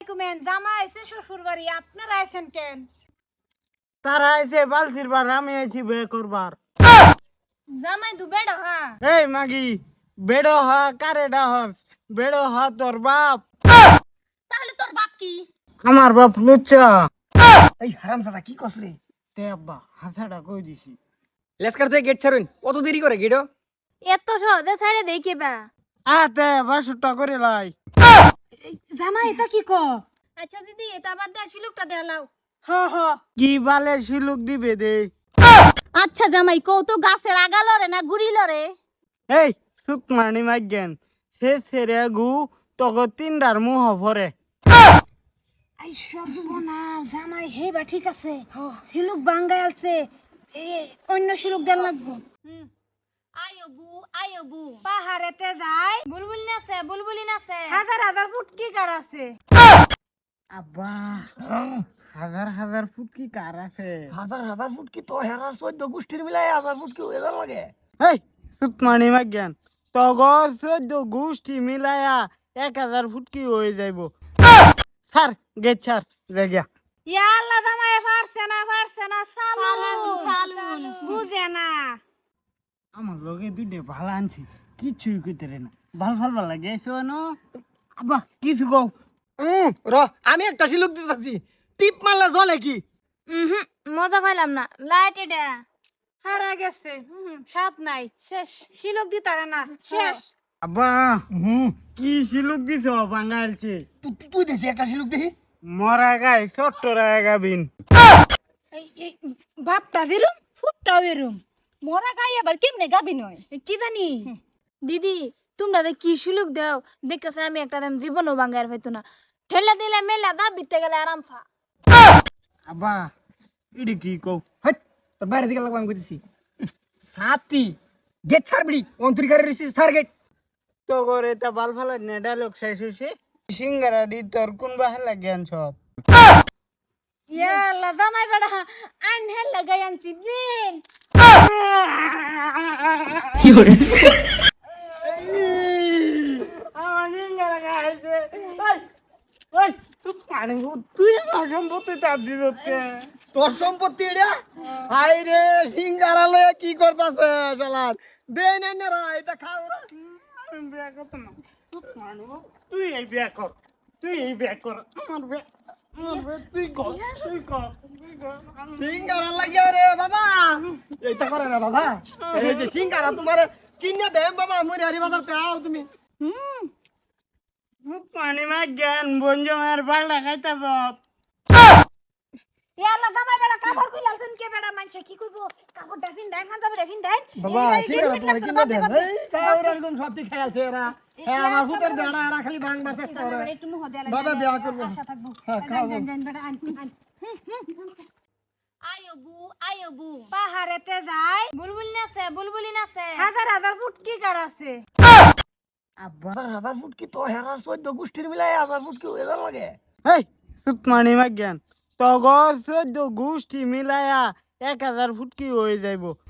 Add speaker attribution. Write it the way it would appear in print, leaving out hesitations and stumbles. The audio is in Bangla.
Speaker 1: কমেন জামা আইছে শ্বশুর বাড়ি আপনারা আইছেন কেন?
Speaker 2: তারা আইছে বালতির বার, আমি আইছি বিয়ে করবার।
Speaker 1: জামাই দু বেড়ো হ্যাঁ।
Speaker 2: এই মাগি, বেড়ো হ কারে ডাহস? বেড়ো হ তোর বাপ।
Speaker 1: তাহলে তোর বাপ কি?
Speaker 2: আমার বাপ লুচ্চা।
Speaker 3: এই হারামজাদা কি কস রে?
Speaker 2: তে আব্বা হাসাটা কই দিছি।
Speaker 3: লেসকার থেকে গেট ছাড়ুন, কত দেরি করে গেটও?
Speaker 1: এত সহজে ছাইরে দেই কেবা?
Speaker 2: আতে বাসুটা করে লাই।
Speaker 1: জামাই এটা কি ক? আচ্ছা দিদি এটা বাদ দে শিলুকটা দেখালাও। হ হ।
Speaker 2: কি বালে শিলুক দিবে দে।
Speaker 1: আচ্ছা জামাই কও তো গাছের আগা লরে না গুড়ি লরে?
Speaker 2: এই সুকমানি মাইগেন, সে সেরে গু তগো তিনডার মুহ ভরে।
Speaker 1: আই সর্বনাশ জামাই হেবা ঠিক আছে। শিলুক বাঙ্গাই আছে। অন্য শিলুক দেন লাগবো। আয়বু পাহাড়েতে যায় বুলবুলি নাচে হাজার হাজার ফুটকি কার আছে।
Speaker 2: আব্বা হাজার হাজার ফুট কি কার আছে?
Speaker 3: হাজার হাজার ফুট কি তো হেরার 14 গোষ্ঠীর মিলাই হাজার ফুট কি হয়ে লাগে?
Speaker 2: এই সুকমানি মাইগেন, তগর 14 গোষ্ঠী মিলায়া 1000 ফুট কি হয়ে যাইব। স্যার গেট ছাড় জায়গা।
Speaker 1: ইয়া আল্লাহ জামাই পারছে না সালুন বুঝে না।
Speaker 2: আমার লগে দুইটা ভালো আনছি, কিছুই কইতে রে না। ভাল লাগে শোনো আব্বা কিছু কও।
Speaker 3: র আমি একটা শিলুক দিতেছি, টিপ মারলে জ্বলে কি?
Speaker 1: মজা পাইলাম না লাইট এটা হারা গেছে। সাপ নাই শেষ শিলক দিতারে না শেষ।
Speaker 2: আব্বা কি শিলুক দিছ বাঙালছে?
Speaker 3: তুই দেখি একটা শিলুক দেখি।
Speaker 2: মরা গাই ছোট্ট রায় গাবিন।
Speaker 1: এই বাপটা যেরুম ফুটটা বেরুম মরা গাই আবার কেমনে গাবি নয় কি জানি। দিদি তোমরা কি সুলুক দাও দেখতেছে আমি একটা দাম জীবনও বাঙ্গার হইতো না ঠেলা দিলে মেলা দা বিতে গেলে আরাম ফা।
Speaker 2: আব্বা ইডি কি কও?
Speaker 3: হাট তোর বাইরে দিকে লাগবে আমি কইতেছি। সাতি গেট ছাড়বি অন্তরিকারে রিসি সার গেট।
Speaker 2: তো করে তা বাল ফালা নে ডায়লগ শেষ হইছে। সিঙ্গারা দি তোর কোন বাহালা জ্ঞান সব।
Speaker 1: ইয়া আল্লাহ জামাই বড়া আন হেল লাগাই আনছি দিন।
Speaker 2: কি হরে আমার সিঙ্গারা খাইছে। ওই তুই পানি তুই আমার সম্পত্তি চাপ দিতে।
Speaker 3: তোর সম্পত্তি এটা? হাই রে সিঙ্গারা লয়ে কি করতাছে শালার? দে নাই না রা এটা খাও রা।
Speaker 2: আমি বিয়ে করতে না। তুই এই বিয়ে কর, তুই এই বিয়ে কর। আমার বিয়ে তুই কর।
Speaker 3: সিঙ্গারা লাগিয়া রে বাবা, এইটা করে না বাবা। এই যে সিঙ্গারা তোমারে কিনে দেম বাবা, মুই হারি বাজারতে আও তুমি।
Speaker 2: পানি মা জ্ঞান বঞ্জমের বাড়া খাইতে সব।
Speaker 1: ইয়া আল্লাহ জামাই বড়া কাপড় কইলাছেন কে বেড়া মানছে কি কইবো কাপড়টা ফিন দেন খান যাবে ফিন দেন
Speaker 3: বাবা সিঙ্গারা তোমারে কিনে দেম। এই খাও রে একদম সত্যি খাইছে এরা। হ্যাঁ আমার ফুটের বেড়া এরা খালি ভাঙবার চেষ্টা করে।
Speaker 1: একটু মুহ দেয়া
Speaker 3: বাবা বিয়া করব।
Speaker 1: আশা থাকবো।
Speaker 3: হ্যাঁ খাও।
Speaker 1: দেন বেড়া আন আয়বু পাহাড়েতে যায় বুলবুলি নাচে হাজার হাজার ফুটকি কার আছে।
Speaker 2: আব্বা
Speaker 3: হাজার ফুট কি তো হেরার 14 গোষ্ঠীর মিলাই হাজার ফুট কি হয়ে লাগে?
Speaker 2: এই সুকমানি মা জ্ঞান, তগর 14 গোষ্ঠী মিলায়া 1000 ফুট কি হয়ে যাইব।